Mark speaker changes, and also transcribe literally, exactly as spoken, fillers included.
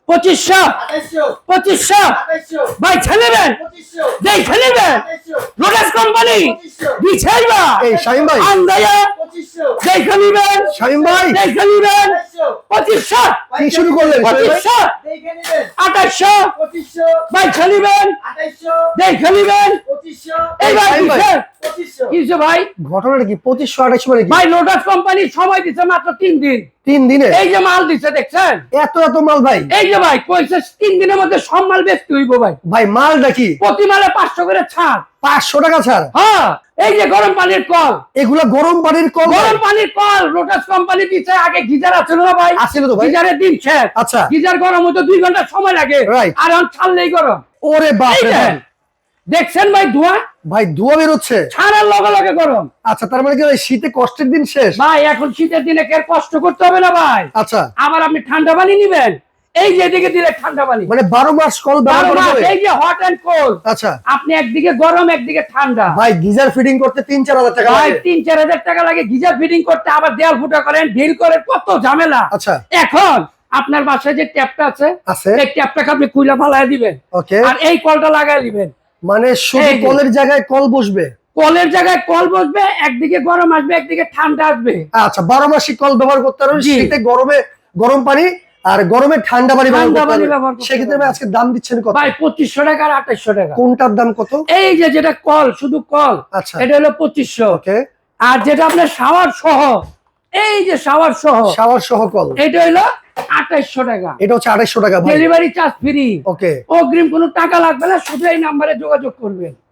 Speaker 1: পঁচিশশো পঁচিশশো ভাই ছেলেবেন দেখে নেবেন লোটাস কোম্পানি বিছাইবা
Speaker 2: এই শামিম ভাই
Speaker 1: আন্দায়া দেখে নেবেন
Speaker 2: শামিম ভাই
Speaker 1: দেখে নেবেন পঁচিশশো
Speaker 2: কি শুরু করলেন শামিম ভাই?
Speaker 1: পঁচিশশো আঠাশশো ভাই ছেলেবেন দেখে নেবেন এইবার
Speaker 2: শামিম ভাই।
Speaker 1: কিসে কিসে ভাই
Speaker 2: ঘটনাটা কি পঁচিশশো আঠাশশো মানে কি
Speaker 1: ভাই লোটাস কোম্পানি সময় দিচ্ছে মাত্র তিন দিন
Speaker 2: তিন দিনে
Speaker 1: এই যে মাল দিচ্ছে দেখছেন
Speaker 2: এত এত মাল ভাই
Speaker 1: এই যে ভাই কইছে তিন দিনের মধ্যে সব মাল বেচতে হইব ভাই
Speaker 2: ভাই মালটা কি
Speaker 1: প্রতি মালে পাঁচশো করে ছাড়
Speaker 2: পাঁচশো টাকা ছাড়
Speaker 1: হ্যাঁ এই যে গরম পানির কল
Speaker 2: এগুলা গরম পানির কল ভাই?
Speaker 1: গরম পানির কল লোটাস কোম্পানি দিচ্ছে আগে গিজার আছিল না ভাই
Speaker 2: আছিল তো ভাই।
Speaker 1: গিজারের দিন শেষ
Speaker 2: আচ্ছা।
Speaker 1: গিজার গরম হতে দুই ঘন্টা সময় লাগে
Speaker 2: Right.
Speaker 1: আর এখন ছাড়লেই গরম
Speaker 2: ওরে বাপ
Speaker 1: এই
Speaker 2: রে
Speaker 1: দেখেন।
Speaker 2: বাপ।
Speaker 1: দেখছেন ভাই ধোঁয়া
Speaker 2: ভাই ধোয়া বেরোচ্ছে
Speaker 1: ছাড়ার লগে লগে গরম
Speaker 2: আচ্ছা তার মানে কি ওই শীতে কষ্টের দিন শেষ
Speaker 1: ভাই এখন শীতের দিনে কে কষ্ট করতে হবে না ভাই
Speaker 2: আচ্ছা
Speaker 1: আবার আপনি ঠান্ডা পানি নিবেন এই যে এদিকে দিলে ঠান্ডা পানি
Speaker 2: মানে বারো মাস কল ব্যবহার
Speaker 1: বারো
Speaker 2: করা
Speaker 1: মাস,
Speaker 2: যাবে?
Speaker 1: এই যে হট এন্ড কোল্ড
Speaker 2: আচ্ছা
Speaker 1: আপনি একদিকে গরম একদিকে ঠান্ডা
Speaker 2: ভাই গিজার ফিটিং করতে তিন চার হাজার টাকা
Speaker 1: ভাই
Speaker 2: লাগে।
Speaker 1: তিন চার হাজার টাকা লাগে গিজার ফিটিং করতে আবার দেয়াল ফুটা করেন ঢিল করেন কত ঝামেলা
Speaker 2: আচ্ছা
Speaker 1: এখন আপনার বাসায় যে ট্যাপটা আছে
Speaker 2: আছে
Speaker 1: এই ট্যাপটাকে আপনি কুইলা ফালাই দিবেন
Speaker 2: ওকে
Speaker 1: আর এই কলটা লাগাই দিবেন
Speaker 2: মানে শুধু
Speaker 1: এই যে।
Speaker 2: কলের জায়গায় কল বসবে
Speaker 1: কলের জায়গায় কল বসবে একদিকে গরম আসবে একদিকে ঠান্ডা আসবে
Speaker 2: আচ্ছা বারো মাসিক কল ব্যবহার করতে পারবেন
Speaker 1: জি।
Speaker 2: শীতে গরমে গরম পানি আর গরমে ঠান্ডা পানি ব্যবহার
Speaker 1: ঠান্ডা
Speaker 2: করতে
Speaker 1: পানি
Speaker 2: পারবেন।
Speaker 1: ব্যবহার করতে
Speaker 2: সেক্ষেত্রে ভাই আজকে দাম দিচ্ছেন কত
Speaker 1: ভাই পঁচিশশো টাকা আর আঠাশশো টাকা
Speaker 2: কোনটার দাম কত
Speaker 1: এই যে যেটা কল শুধু কল
Speaker 2: আচ্ছা
Speaker 1: এটা হলো পঁচিশশো
Speaker 2: ওকে
Speaker 1: আর যেটা আপনার শাওয়ার সহ এই যে শাওয়ার সহ
Speaker 2: শাওয়ার সহ কল
Speaker 1: এটা হলো আঠাশশো টাকা
Speaker 2: এটা হচ্ছে আড়াইশো টাকা ভাই
Speaker 1: ডেলিভারি চার্জ ফ্রি
Speaker 2: ওকে
Speaker 1: অগ্রিম কোনো টাকা লাগবে না শুধু এই নাম্বারে যোগাযোগ করবেন